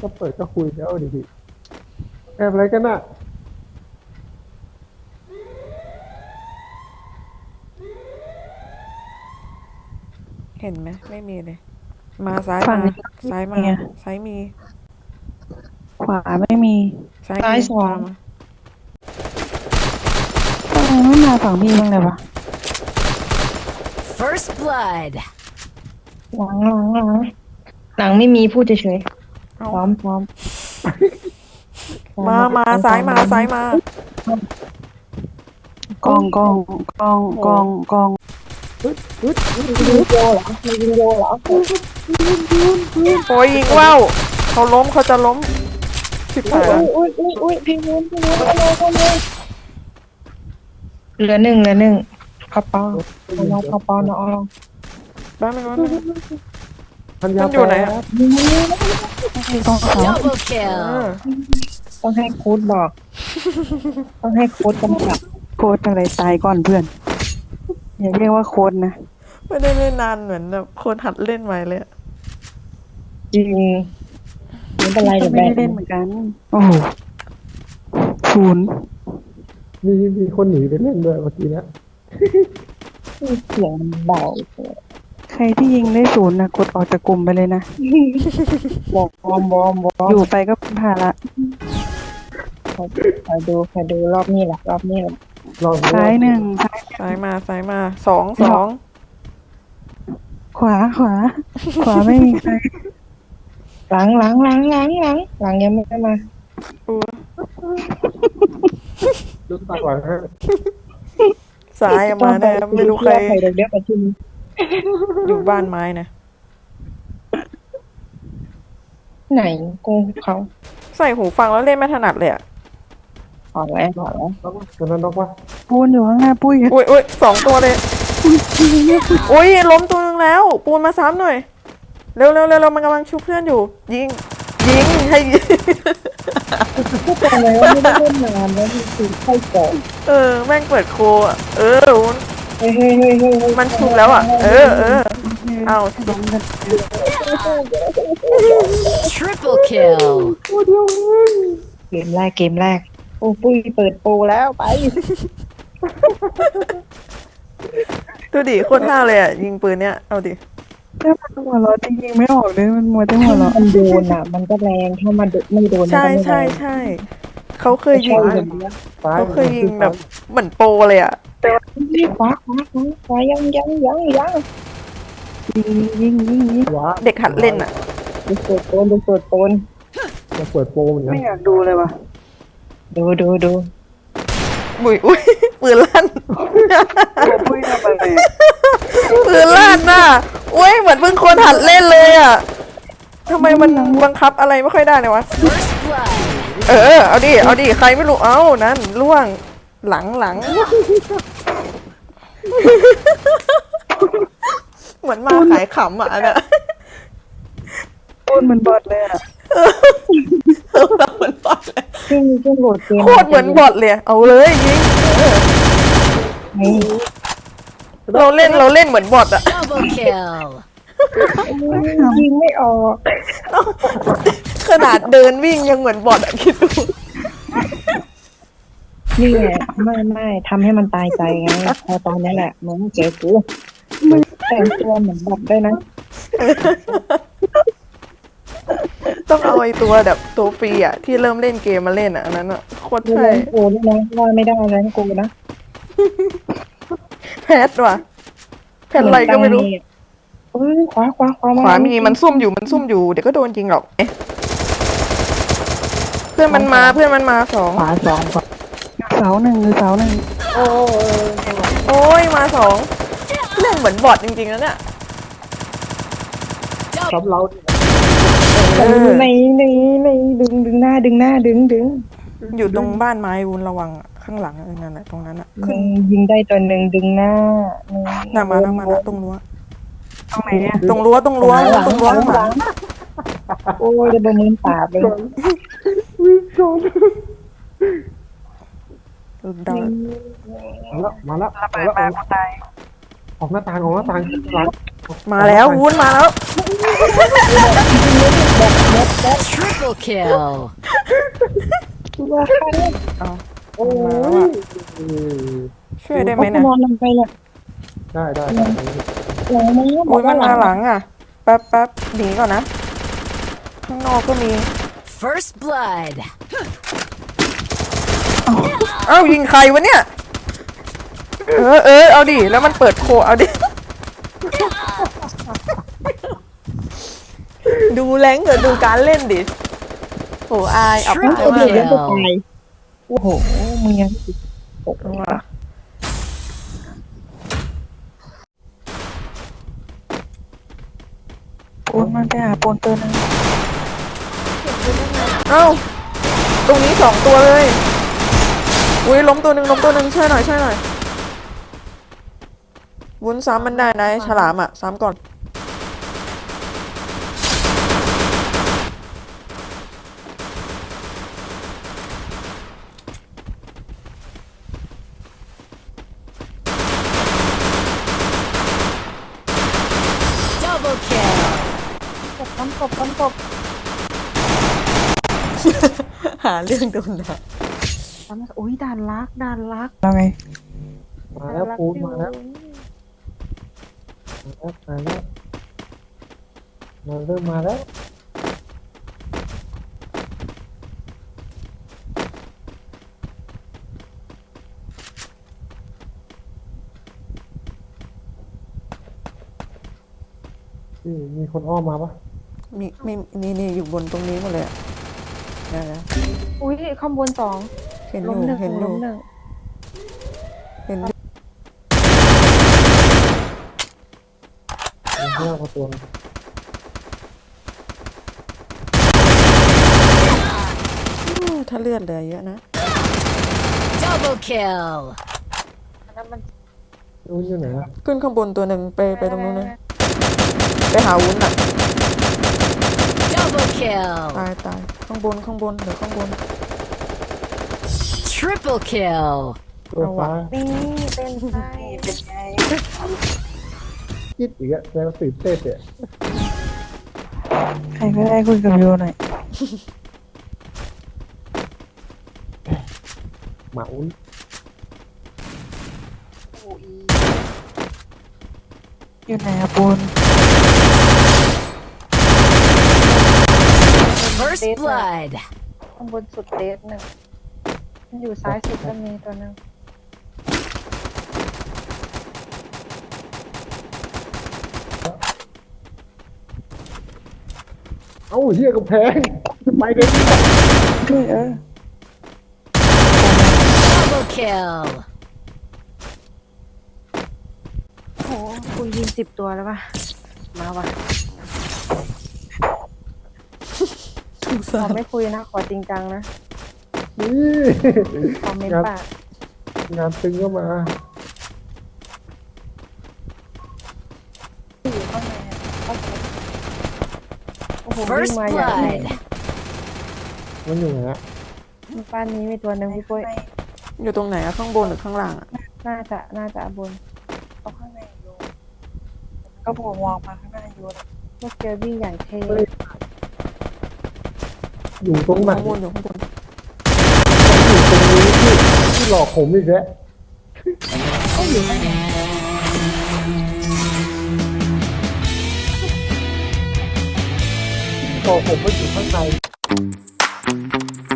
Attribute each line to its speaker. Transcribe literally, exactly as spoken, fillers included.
Speaker 1: ก็เปิดก็คุยแล้วดิพี่แอบอะไรกันน่ะ
Speaker 2: เห็นไหมไม่มีเลย มาซ้าย
Speaker 3: ฝั่ง
Speaker 2: มา
Speaker 3: นี้
Speaker 2: ซ้ายมา
Speaker 3: เนี่ย
Speaker 2: ซ้ายมี
Speaker 3: ขวาไม่มี
Speaker 2: ซ้าย
Speaker 3: ซ้าย
Speaker 2: มี
Speaker 3: สอง
Speaker 2: มามา
Speaker 3: ทำไมไม่มาฝั่งพี่บ้างเลยวะ
Speaker 4: First blood.
Speaker 5: หลังหลังหลังหลังไม่มีพูดเฉย
Speaker 2: เอา
Speaker 5: ๆพร้อมพร้อม
Speaker 2: มามาซ้ายมาซ้ายมา
Speaker 3: กองกองกองกองกอง
Speaker 5: ยิงโยเหรอมียิงโยเหรอ
Speaker 2: โอ้ยยิงว่าวเขาล้มเขาจะล้มสิบแปด
Speaker 5: อุ้ยอุ้ยอุ้ยพี่นู้นพี่นู้นเอาเลยเอาเลยเหลือหนึ่งเหลือหนึ่งข้าวเปล่าเอาลองข้าวเปล่าเนาะเอาลอง
Speaker 2: บ้านมันบ้านมัน
Speaker 1: พันยา
Speaker 2: มันอยู่ไหนอะ
Speaker 3: กองเขา
Speaker 4: Double
Speaker 2: เอ
Speaker 4: kill.
Speaker 2: อ
Speaker 5: ต้องให้โค้ดบอก ต้องให้โค้ดกำกับ
Speaker 3: โค้ดอะไรตายก่อนเพื่อน อย่าเรียกว่าโค้ดนะ
Speaker 2: ไม่ได้เล่นนานเหมือนแบบคนหัดเล่นใหม่เลยอะ
Speaker 5: จริงไม่เป็นไร
Speaker 3: ก็
Speaker 5: เดี๋ยว
Speaker 3: ไม่
Speaker 5: แบ
Speaker 3: ได้
Speaker 5: บ
Speaker 3: เล่นเหมือนกัน โอ้โหศูนย์
Speaker 1: มีมีคนหนีไปเล่นด้วยเมื่อกี้เนี้ย
Speaker 5: เสียงมันเบา
Speaker 3: ใครที่ยิงได้ศูนย์นะกดออกจากกลุ่มไปเลยนะ
Speaker 5: วอร์มวอร์มวอร์ม
Speaker 3: อยู่ไปก็เป็นภาระ
Speaker 5: คอยดูคอยดูรอบนี้แหละรอบนี้แหละ
Speaker 1: ลองดู
Speaker 3: ซ้ายหนึ่งซ้าย
Speaker 2: ซ้ายมาซ้ายมาสองสอง
Speaker 3: ขวาขวา ขวาไม่มีใคร
Speaker 5: หลังหลังหลังหลังหลังหลังยังไม่ได้มา
Speaker 2: อู้
Speaker 1: ดูตาก่อนฮะ
Speaker 2: ซ้ายอะมาแน่ไม่รู้ใคร
Speaker 5: ใครเด็กเด็กประชุม
Speaker 2: อยู่บ้านไม้นะ
Speaker 5: ไหนกูเขา
Speaker 2: ใส่หูฟังแล้วเล่นไม่ถนัดเลยอะ
Speaker 5: ขอแล้วขอแล้ว
Speaker 1: นกวะตัวนั้นนกวะ
Speaker 3: ปูนอยู่ข้างหน้าปุ้ย
Speaker 2: อุ้ยอุ้ยสองตัวเลยอุ้ยล้มตัวนึงแล้ว ปูนมาซ้ำหน่อย เร็วเร็วเร็วเร็วมันกำลังชุบเพื่อนอยู่ ยิง ยิงให้ยิง
Speaker 5: พูดตรงเลยว่าไม่ได้เล่นนานแล้วคือใครก่อน
Speaker 2: เออ แม่งเปิดโคอะเออมัน
Speaker 5: เฮ้ยเฮ้ยเฮ้ยเฮ้ย
Speaker 2: มันชุบแล้วอ่ะ เออเออเอา
Speaker 3: ล้มกัน
Speaker 4: Triple kill.
Speaker 5: เกมแรกเกมแรกโอ้ปุ้ยเปิดโปรแล้วไป
Speaker 2: ดูดิโคตรท่าเลยอ่ะ ยิงปืนเนี้ย เอาดิ
Speaker 3: ถ้ามันหัวเราะจริงๆไม่ออกเลยมันมัวแต่หั
Speaker 5: ถ้าว
Speaker 3: เราะ
Speaker 5: มันโดนอ่ะ มันก็แรงถ้ามันไม่โดนมัน
Speaker 2: ใช่
Speaker 5: ก็ไม่แร
Speaker 2: ใช่
Speaker 5: ง
Speaker 2: ใช่เขาเคยยิง
Speaker 1: ซ้าย
Speaker 2: เขาเคยยิงแบบเหมือนโปรเลยอ่ะ
Speaker 5: ขวาขวาขวาขวายังยังยังยัง
Speaker 3: ยิงยิงยิงยิง
Speaker 1: ขวา
Speaker 2: เด็กหัดเล่นอ่ะ
Speaker 5: ดูเปิดโปนดูเปิดโปน
Speaker 1: จะเปิดโปรเหมือนกัน
Speaker 3: ไม่อยากดูเลยว่ะ
Speaker 5: ดูดูดู
Speaker 2: อุ้ยอุ้ยปืนลั่น
Speaker 3: ตัวปุ้ยทำอะไร
Speaker 2: ปืนลั่นน่ะอุ้ยเหมือนเพิ่งคนหัดเล่นเลยอ่ะทำไมมันบังคับอะไรไม่ค่อยได้เลยวะ
Speaker 4: First blood.
Speaker 2: เออ เอาดิ เอาดิ ใครไม่รู้ เอ้า นั่นล่วง หลังหลัง เหมือนมาขายขำอ่ะอันน่ะ
Speaker 3: ปูนมันบอดเลยอ่ะ
Speaker 2: เราเหมือนบอทเลย
Speaker 5: ซึ่งซึ่งโหลดเกม
Speaker 2: โคตรเหมือนบอทเลย เอาเลยยิง
Speaker 5: นี่
Speaker 2: เราเล่นเราเล่นเหมือนบอทอ่ะ
Speaker 4: Double kill.
Speaker 5: ยิงไม่ออก
Speaker 2: ขนาดเดินวิ่งยังเหมือนบอทอ่ะคิดดู
Speaker 5: นี่แหละไม่ไม่ทำให้มันตายใจไงพอตอนนี้แหละมึงเจอกูแต่งตัวเหมือนแบบได้นะ
Speaker 2: ต้องเอาไอ้ตัวแบบตัวฟรีอ่ะ ที่เริ่มเล่นเกมมาเล่นอ่ะอันนั้นอ่ะโคตร
Speaker 5: ไม่
Speaker 2: ใช่
Speaker 5: เล่นกูด้วยนะว่าไม่ได้แล้วกูนะ
Speaker 2: แพทว่ะแพทอะไรก็ไม่รู้
Speaker 5: เอ้ยขวาขวาขวา
Speaker 2: ขวามีมันซุ่มอยู่มันซุ่มอยู่เดี๋ยวก็โดนจริงหรอกเอ๊ะเพื่อนมันมาเพื่อนมันมาสอง
Speaker 5: ขวาสองขวา
Speaker 3: เสาหนึ่งหรือเสาหนึ่ง
Speaker 5: โอ้
Speaker 2: โอ้ยมาสองเล่นเหมือนบอทจริงๆแล้วเนี่ย
Speaker 1: ซับเรา
Speaker 2: เออ
Speaker 5: ในในในดึงดึงหน้าดึงหน้าดึงดึง
Speaker 2: อยู่ตรงบ้านไม้วุนระวังอะข้างหลังเออนั่นแหละตรงนั้นอ่ะขึ้น
Speaker 5: ยิงได้ตัวหนึ่งดึงหน้า
Speaker 2: หน้ามาหน้ามาแล้วตรงรั้ว
Speaker 3: ตรงไหนเนี่ย
Speaker 2: ตรงรั้วตรงรั้วตรงรั้วข้างหลัง
Speaker 5: โอ้ยจะบมือปราบเลย
Speaker 2: ดัง
Speaker 1: มาแล้วมาแล้ว
Speaker 3: ระเบิดมากูตาย
Speaker 1: ออกหน้าต่างออกหน้าต่างหลัง
Speaker 2: มาแล้ววุ้นมาแล้ว
Speaker 5: เ
Speaker 4: Triple kill.
Speaker 5: ตัวใคร
Speaker 2: เอา
Speaker 1: โอ้
Speaker 2: มาแล้วอะ
Speaker 1: ย
Speaker 2: ช่วยได้ไหม
Speaker 5: เขา
Speaker 2: เนี่ย
Speaker 5: นอนลงไปเลย
Speaker 1: ได้ได้ได้
Speaker 5: หลังมัน
Speaker 2: อุ้ยมันมาหลังอ่ะ แป๊บแป๊บหนีก่อนนะ ข้างนอกก็มี
Speaker 4: First blood.
Speaker 2: เอ้ายิงใครวะเนี่ย เออเออเอาดิ แล้วมันเปิดโคเอาดิ ดูแรงเกิดดูการเล่นดิโหอายอับ
Speaker 5: ไม่
Speaker 2: อาย
Speaker 5: เคย
Speaker 2: มาก
Speaker 5: เดื
Speaker 2: เล
Speaker 5: อย ดแล้วจะตายโอ้โหมึงยังตกว่ะปูนมันไปหาปูนตัวนึง
Speaker 2: เอ้า ตรงนี้สองตัวเลย อุ้ยล้มตัวหนึ่งล้มตัวหนึ่งช่วยหน่อยช่วยหน่อยวุ้นซ้ำมันได้นะไอ้ฉลามอ่ะ ซ้ำก่อน
Speaker 4: Double kill.
Speaker 5: ตบต้นตบต้นตบ
Speaker 2: หาเรื่องโดนด่า
Speaker 3: ทำอุ้ยด่านลักด่านลัก
Speaker 5: เอาไง
Speaker 1: มาแล้วปูนมาแล้วมาแล้วมาแล้วมาเริ่มมาแล้วนี่มีคนอ้อมมาปะ
Speaker 2: มีมีนี่นี่อยู่บนตรงนี้หมดเลยอะเดี๋ยวนะ
Speaker 3: อุ้ยข้างบนสอง
Speaker 2: เห็นอ
Speaker 3: ล้ม
Speaker 2: ยู่
Speaker 3: หนึ่ง
Speaker 2: เห็นอ
Speaker 3: ล้
Speaker 2: ยู่
Speaker 3: มหนึ่ง
Speaker 2: เห็นอยู่
Speaker 1: มีห้าประตู
Speaker 2: อู้ถ้าเลือดเหลือเยอะนะ
Speaker 4: Double kill.
Speaker 3: อันนั้นมัน
Speaker 1: วุ้นอยู่ไหนอะ
Speaker 2: ขึ้นข้างบนตัวหนึ่งไปไปตรงนู้นนะไปหาวุ้นอ่ะ
Speaker 4: Double kill.
Speaker 2: ตายตายข้างบนข้างบนเดี๋ยวข้างบน
Speaker 4: Triple kill.
Speaker 1: ตัวฟ้า
Speaker 3: นี่เป็นไงเป็นไง
Speaker 1: คิดอีกอะแล้วตื่นเต้นเนี่ย
Speaker 5: ใครก็ได้คุยกับโยหน่อย
Speaker 1: หมาวุ้น
Speaker 5: อยู่ไหนอะปูน
Speaker 4: First blood.
Speaker 3: ข้างบนสุดเดสหนึ่งมันอยู่ซ้ายสุดก็มีตัวหนึง
Speaker 1: เอ้าเหี้ยกำแพงไปเลย
Speaker 5: ด้วยเออ
Speaker 4: Double kill.
Speaker 3: โอ้โหกูยิงสิบตัวแล้วป่ะมาว่ะ
Speaker 2: สง
Speaker 3: ข
Speaker 2: สา
Speaker 3: อ
Speaker 2: ร
Speaker 3: ไม่คุยนะ ขอจริงจังนะ
Speaker 1: นี่
Speaker 3: คอมเมนต์ปาก
Speaker 1: งานตึงก็มา
Speaker 3: อยู่ข้างในอะเข้าไปโอ้โหวิ่
Speaker 4: First
Speaker 3: งมาอย่างไร
Speaker 4: blood.
Speaker 1: มันอยู่ไหนอะ
Speaker 3: บ้านนี้มีตัวหนึ่งพี่ปุ้ย
Speaker 2: อยู่ตรงไหนอะข้างบนหรือข้างล่างอะ
Speaker 3: น่าจะน่าจะบน
Speaker 5: เอาข้างในโยก็บวกมองมาข้างหน้าโยนะ
Speaker 3: พวกเจอวิ่งอย่างเท่
Speaker 1: อยู่ตรงไหน
Speaker 2: ข้างบนอยู่ข้างบน
Speaker 1: อยู่ตรงนี้ที่ที่หลอกผมอีกแล้วหลอกผมว่าอยู่ข้างใน